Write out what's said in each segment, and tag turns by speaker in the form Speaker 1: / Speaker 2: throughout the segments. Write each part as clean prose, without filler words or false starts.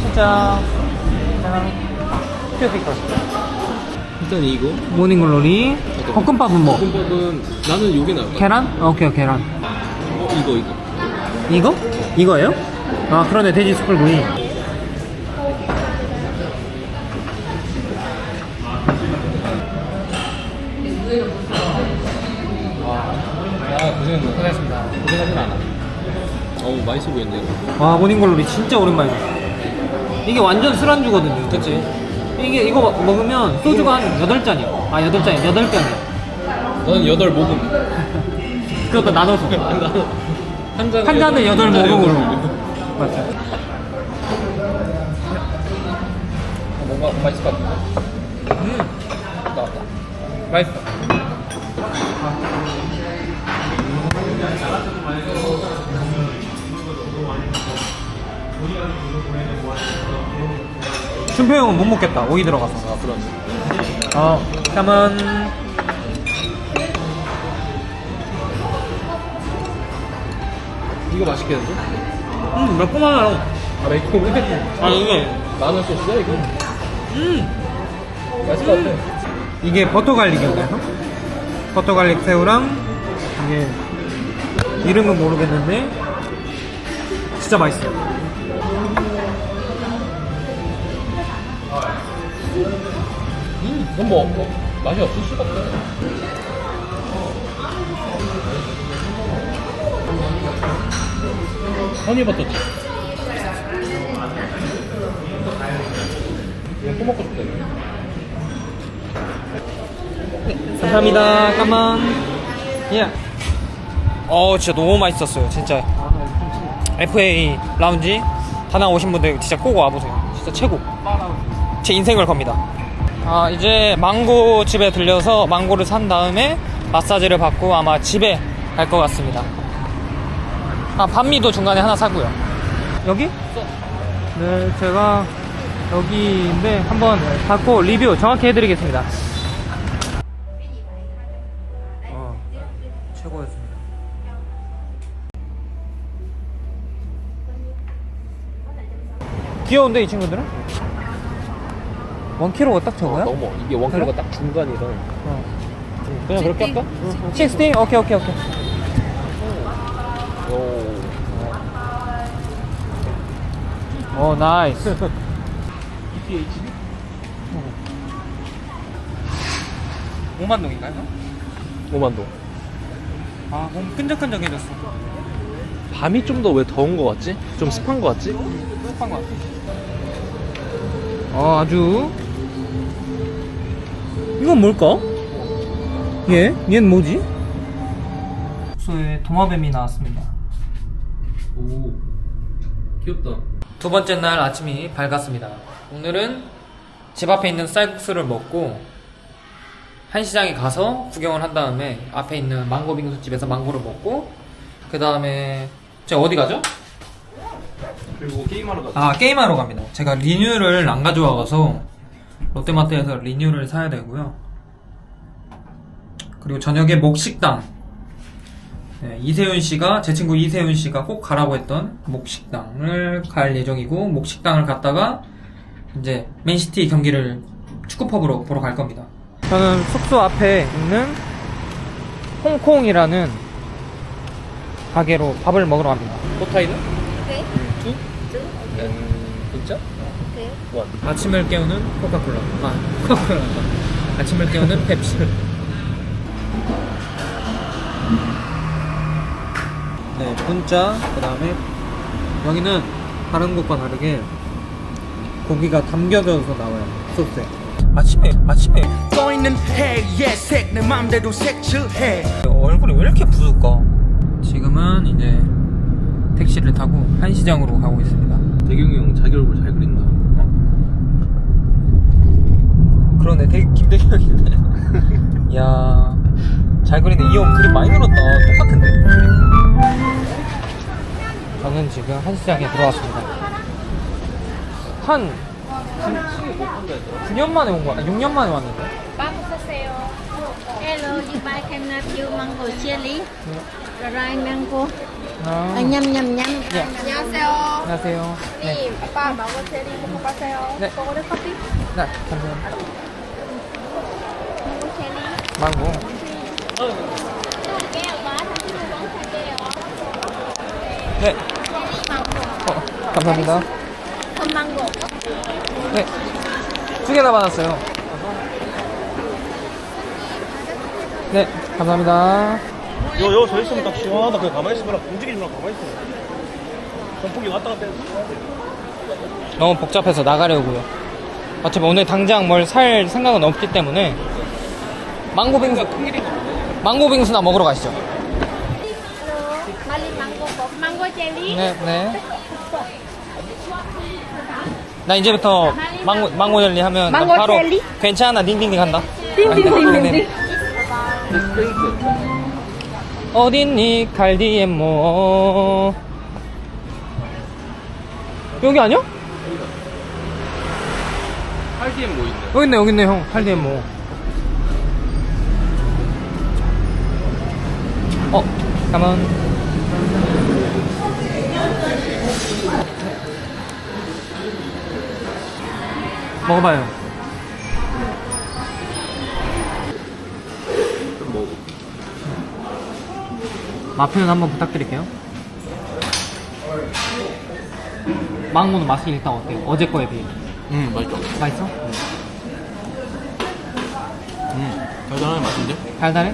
Speaker 1: 자, 큐피클.
Speaker 2: 일단 이거.
Speaker 1: 모닝글로리. 볶음밥은 뭐?
Speaker 2: 볶음밥은 나는 요게 나을 것 같아.
Speaker 1: 계란? 오케이, 계란.
Speaker 2: 이거.
Speaker 1: 이거? 이거예요? 아, 그러네. 돼지 숯불구이. 고생했습니다. 고생하진 않아.
Speaker 2: 어우, 맛있어 보이는데, 이거.
Speaker 1: 와, 모닝글로리 진짜 오랜만이다. 이게 완전 술안주거든요.
Speaker 2: 그치?
Speaker 1: 이거 먹으면 소주가 한 8잔이야. 아, 8잔이야. 8병이야.
Speaker 2: 너는 8모금.
Speaker 1: 그것도 나눠서.
Speaker 2: 한 잔에
Speaker 1: 한 잔에 8모금으로. 맞죠.
Speaker 2: 뭔가 맛있을 것 같아. 나왔다.
Speaker 1: 맛있어. 준표 형은 못 먹겠다. 오이 들어가서.
Speaker 2: 아, 그럼.
Speaker 1: 잠깐만.
Speaker 2: 이거 맛있겠는데?
Speaker 1: 매콤하네요.
Speaker 2: 아, 매콤해?
Speaker 1: 아, 이게.
Speaker 2: 마늘 소스야, 이거? 맛있을 것 같아.
Speaker 1: 이게 버터 갈릭인가요? 버터 갈릭 새우랑 이게 이름은 모르겠는데 진짜 맛있어요.
Speaker 2: 이건 뭐, 맛이 없을 수가 없어. 허니버터칩. 이거 또 먹고 싶다, 이거.
Speaker 1: 감사합니다. 까만. 예. 진짜 너무 맛있었어요. 진짜. FA 라운지 다낭 오신 분들 진짜 꼭 와보세요. 진짜 최고. 제 인생을 겁니다. 이제 망고 집에 들려서 망고를 산 다음에 마사지를 받고 아마 집에 갈 것 같습니다. 반미도 중간에 하나 사고요. 여기? 네, 제가 여기인데 한번 받고 리뷰 정확히 해드리겠습니다. 최고였습니다. 귀여운데 이 친구들은? 1kg가 딱 저거야?
Speaker 2: 너무 이게 원킬로가 딱 중간이라. 그냥 그렇게 할까?
Speaker 1: 60? 오케이. 오, 나이스.
Speaker 2: EPH?
Speaker 1: 5만 동인가요?
Speaker 2: 5만동.
Speaker 1: 몸 끈적끈적해졌어.
Speaker 2: 밤이 좀 더 왜 더운 거 같지? 좀 습한 거 같지?
Speaker 1: 습한 것 같아. 아주. 이건 뭘까? 얘는 뭐지? 숙소에 도마뱀이 나왔습니다.
Speaker 2: 오, 귀엽다.
Speaker 1: 두 번째 날 아침이 밝았습니다. 오늘은 집 앞에 있는 쌀국수를 먹고 한시장에 가서 구경을 한 다음에 앞에 있는 망고 빙수집에서 망고를 먹고 그 다음에 제가 어디 가죠?
Speaker 2: 그리고 게임하러 가자.
Speaker 1: 게임하러 갑니다. 제가 리뉴를 안 가져와서 롯데마트에서 리뉴를 사야 되고요. 그리고 저녁에 목식당, 이세훈씨가, 제 친구 이세훈씨가 꼭 가라고 했던 목식당을 갈 예정이고, 목식당을 갔다가 이제 맨시티 경기를 축구펍으로 보러 갈 겁니다. 저는 숙소 앞에 있는 홍콩이라는 가게로 밥을 먹으러 갑니다.
Speaker 2: 포타이는?
Speaker 3: Okay.
Speaker 2: 2? 진짜?
Speaker 3: Okay.
Speaker 2: 1.
Speaker 1: 아침을 깨우는 코카콜라. 코카콜라. 아침을 깨우는 펩시. 네, 분짜. 그 다음에 여기는 다른 곳과 다르게 고기가 담겨져서 나와요. 소스에. 아침에
Speaker 4: 떠있는 해의 색 내 맘대로 색칠해.
Speaker 1: 얼굴이 왜 이렇게 부을까? 지금은 이제 택시를 타고 한시장으로 가고 있습니다.
Speaker 2: 대경이 형 자기 얼굴 잘 그린다.
Speaker 1: 그러네, 되게 김대경이네. 이야, 잘 그리네. 이 형 그림 많이 늘었다. 똑같은데? 저는 지금 한시장에 들어왔습니다. 한 9년 만에 온 거야. 6년 만에 왔는데.
Speaker 3: 빵 사세요. Hello, you buy can have you mango chili, dry mango.
Speaker 1: 아,
Speaker 3: Nhâm nhâm nhâm.
Speaker 1: 예.
Speaker 3: 안녕하세요.
Speaker 1: 안녕하세요. 네.
Speaker 3: 님, 아빠 망고 체리 먹어봤어요?
Speaker 1: 네.
Speaker 3: 먹어도 커피?
Speaker 1: 네, 감사합니다.
Speaker 3: 망고 체리.
Speaker 1: 망고.
Speaker 3: 깨요, 봐. 당신 먹어 살게요.
Speaker 1: 네.
Speaker 3: 체리 망고.
Speaker 1: 감사합니다.
Speaker 3: 건 망고.
Speaker 1: 네. 2개 다 받았어요. 네, 감사합니다.
Speaker 5: 요 서 있으면 딱 시원하다. 그냥 가만히 있으면 움직이지 말고 가만히 있어. 선풍기 왔다 갔다 해서.
Speaker 1: 너무 복잡해서 나가려고요. 어차피 오늘 당장 뭘 살 생각은 없기 때문에 망고 빙수나 먹으러 가시죠.
Speaker 3: 말리 망고 망고 체리.
Speaker 1: 네, 네. 나 이제부터 망고 젤리 하면 나
Speaker 3: 망고
Speaker 1: 바로
Speaker 3: 젤리?
Speaker 1: 괜찮아 딩딩딩 한다.
Speaker 3: 띵띵띵띵띵.
Speaker 1: 어딨니 갈디엠모. 여기 아니야?
Speaker 2: 할디엔 뭐 있네.
Speaker 1: 여기 있네 형. 갈디엠모. 가만. 먹어봐요. 맛 표현 한번 부탁드릴게요. 망고는 맛이 일단 어때요? 어제 거에 비해.
Speaker 2: 맛있다.
Speaker 1: 맛있어?
Speaker 2: 달달하게 맛있는데?
Speaker 1: 달달해?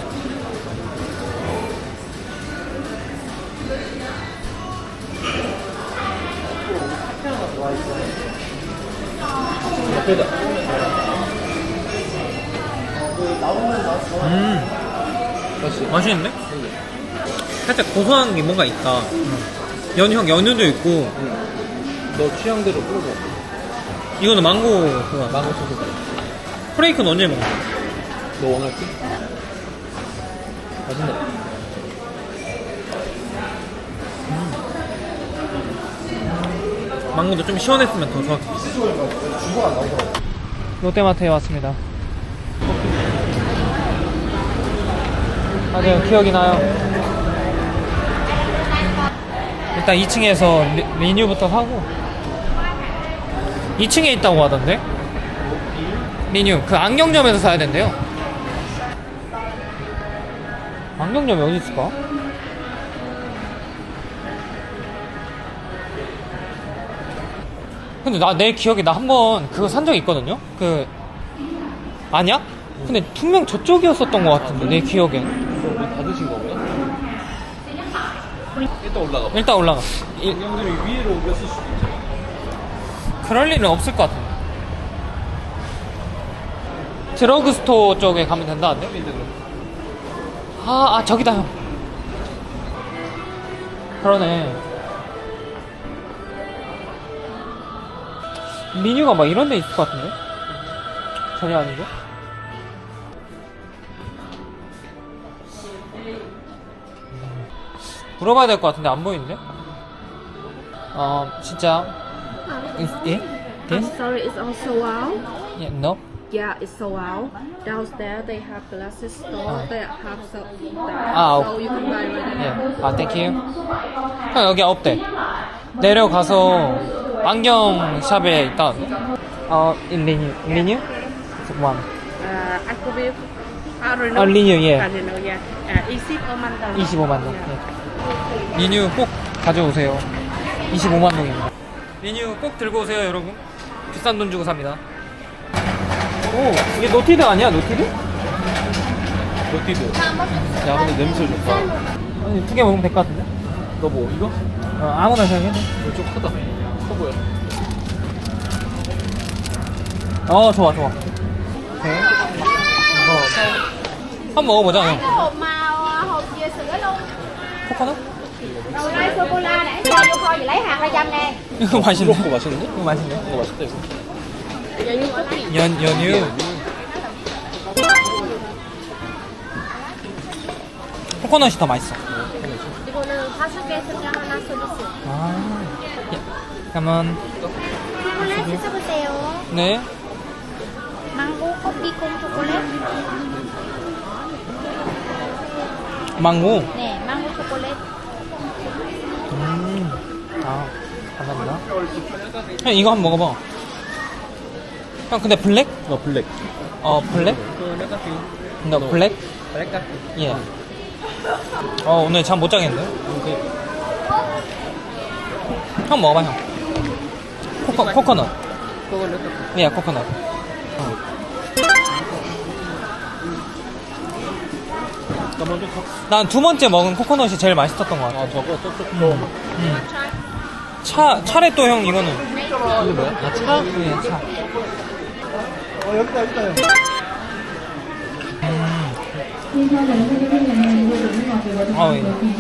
Speaker 1: 맛있는데? 살짝 고소한 게 뭔가 있다. 연유도 있고.
Speaker 2: 너 취향대로 뿌려줘.
Speaker 1: 이거는 망고 그거.
Speaker 2: 망고 소스.
Speaker 1: 프레이크는 언제 먹어?
Speaker 2: 너 원할지? 맛있네.
Speaker 1: 망고도 좀 시원했으면 더 좋았겠어. 롯데마트에 왔습니다. 맞아요, 기억이 나요. 일단 2층에서 리뉴부터 사고. 2층에 있다고 하던데? 리뉴, 그 안경점에서 사야 된대요. 안경점이 어디 있을까? 근데 내 기억에 나 한 번 그거 산 적이 있거든요? 아니야? 근데 분명 저쪽이었었던 것 같은데, 내 기억엔.
Speaker 2: 다 드신 거구나? 일단 올라가 봐.
Speaker 1: 일단 올라가.
Speaker 2: 양념이 위로 옮겼을 수도 있잖아.
Speaker 1: 그럴 일은 없을 것 같은데. 드러그스토어 쪽에 가면 된다는데? 저기다, 형. 그러네. 리뉴가 막 이런 데 있을 것 같은데? 전혀 아니고? 물어봐야 될 것 같은데 안 보이는데? 진짜. 예?
Speaker 3: I'm sorry, it's also wow.
Speaker 1: Yeah, no?
Speaker 3: Yeah, it's so wow. Downstairs they have glasses store. They have so
Speaker 1: So
Speaker 3: you can buy right now.
Speaker 1: 예. 땡큐. 형 여기 없대. 내려가서 안경샵에 있다. 리뉴? One.
Speaker 3: I could be Arino.
Speaker 1: 리뉴, 예.
Speaker 3: Arino, yeah. 25만 원.
Speaker 1: 25만 동. 예. 리뉴 꼭 가져오세요. 25만 동입니다. 리뉴 꼭 들고 오세요, 여러분. 비싼 돈 주고 삽니다. 오, 이게 노티드 아니야, 노티드?
Speaker 2: 버티드. 야, 근데 냄새 좋다.
Speaker 1: 아니, 2개 먹으면 될 것 같은데?
Speaker 2: 너 뭐, 이거?
Speaker 1: 아무나 생각해.
Speaker 2: 이거 좀 크다. 커 보여.
Speaker 1: 좋아. 오케이. 한번 먹어보자, 형.
Speaker 3: hộp màu hộp dừa sữa luôn.
Speaker 1: 코코넛?
Speaker 3: Đầu đây sô cô la để cho vô kho thì lấy hạt 200 nè.
Speaker 1: 이거 맛있네.
Speaker 2: 이거 맛있는데?
Speaker 1: 이거 맛있네.
Speaker 2: 이거 맛있다, 이거.
Speaker 3: 연유 cookie.
Speaker 1: 연유. 코코넛이 더 맛있어.
Speaker 3: 이거는 5개 승량 하나 서비스.
Speaker 1: 예. 그러면
Speaker 3: 초콜릿 드셔보세요.
Speaker 1: 네.
Speaker 3: 망고 커피 콩 초콜릿.
Speaker 1: 망고.
Speaker 3: 네, 망고 초콜릿.
Speaker 1: 아, 감사합니다. 형, 이거 한번 먹어봐. 형, 근데 블랙?
Speaker 2: 블랙.
Speaker 1: 블랙? 너 블랙? 예. 오늘 잠 못 자겠는데? 형 먹어봐, 형. 코코넛. 예, 코코넛. 난 두 번째 먹은 코코넛이 제일 맛있었던 것 같아.
Speaker 2: 저거 저거.
Speaker 1: 차래 또 형, 이거는.
Speaker 2: 이게 뭐야? 차?
Speaker 1: 예, 차.
Speaker 5: 여기다 형.
Speaker 1: 예.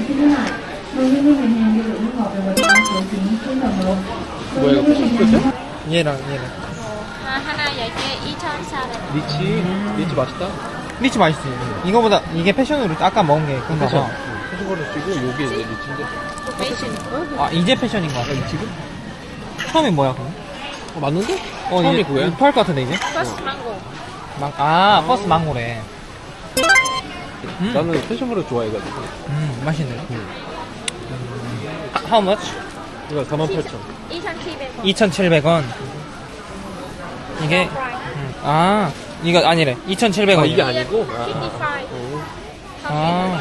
Speaker 2: 뭐야 이거 패션 프로세요?
Speaker 1: 얘랑.
Speaker 3: 하나 10개 2,400원.
Speaker 2: 리치 맛있다.
Speaker 1: 리치 맛있지. 이거보다, 이게 패션으로 아까 먹은 게 그런가 봐.
Speaker 2: 패션 거를 쓰고 요게 이제 리치인데.
Speaker 1: 아, 이제 패션인 것 같아.
Speaker 2: 지금?
Speaker 1: 처음에 뭐야, 그럼?
Speaker 2: 맞는데? 처음이 그거야?
Speaker 1: 토할 것 같은데, 이제?
Speaker 3: 퍼스트 망고.
Speaker 1: 버스 망고래.
Speaker 2: 나는 패션 거를 좋아해가지고.
Speaker 1: 맛있네. How much?
Speaker 2: 이거 48,000원.
Speaker 3: 2,700원.
Speaker 1: 2,700원. 이게, 이거 아니래. 2,700원.
Speaker 2: 이게 아니고?
Speaker 1: 55.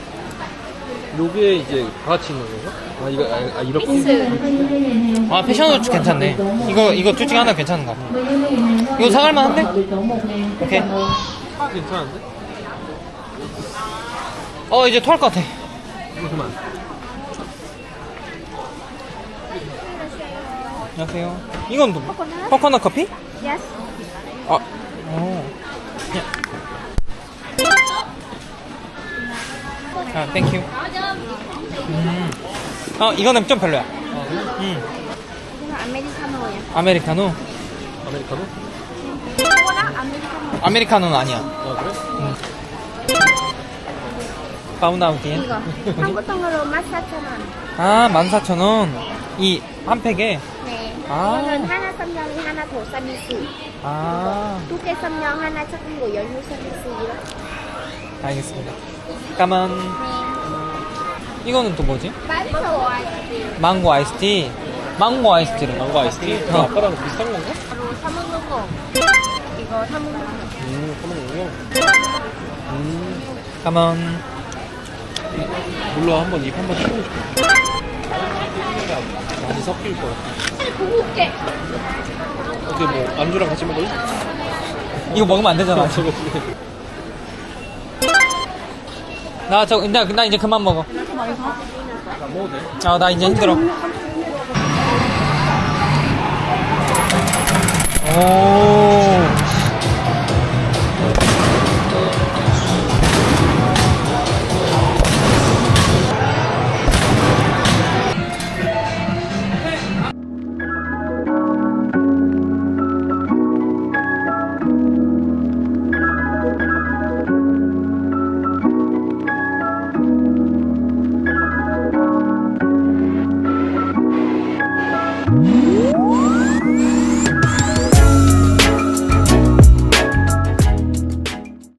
Speaker 2: 요게 이제 다 같이 있는 건가? 이렇게?
Speaker 1: 패션으로 괜찮네. 이거 둘 중에 하나 괜찮은 것 같아. 이거 사갈만 한데? 오케이.
Speaker 2: 괜찮은데?
Speaker 1: 이제 토할 것 같아.
Speaker 2: 그만.
Speaker 1: 안녕하세요. 이건 또, 코코넛 커피?
Speaker 3: Yes.
Speaker 1: 땡큐. 이거는 좀 별로야.
Speaker 3: 이거 아메리카노예요.
Speaker 1: 아메리카노?
Speaker 2: 아메리카노?
Speaker 3: 이거랑 아메리카노.
Speaker 1: 아메리카노는 아니야.
Speaker 2: 아 그래?
Speaker 1: 파운드아웃인.
Speaker 3: 이거 한국 돈으로 14,000원.
Speaker 1: 14,000원. 이 한 팩에.
Speaker 3: 네.
Speaker 1: 아.
Speaker 3: 이거는 하나 썸냥이 하나 더 서비스. 두 개 썸냥 하나 작은 거 연유 서비스 이렇게.
Speaker 1: 알겠습니다. 까만. 이거는 또 뭐지?
Speaker 3: 망고 아이스크림.
Speaker 1: 망고 아이스티. 망고 아이스티래.
Speaker 2: 망고 아이스티? 아까랑 비슷한 건가?
Speaker 3: 바로 사 먹는 거. 이거 사 먹는 거.
Speaker 2: 사먹는 거?
Speaker 1: 까만.
Speaker 2: 몰라 한번 입 한번 해보고 싶어. 많이 섞일 것 같아.
Speaker 3: 고급게.
Speaker 2: 어떻게 뭐 안주랑 같이 먹을래?
Speaker 1: 이거 먹으면 안 되잖아.
Speaker 2: 저거
Speaker 1: 나 이제 그만 먹어.
Speaker 2: 안 먹어도 돼?
Speaker 1: 나 이제 힘들어. 오.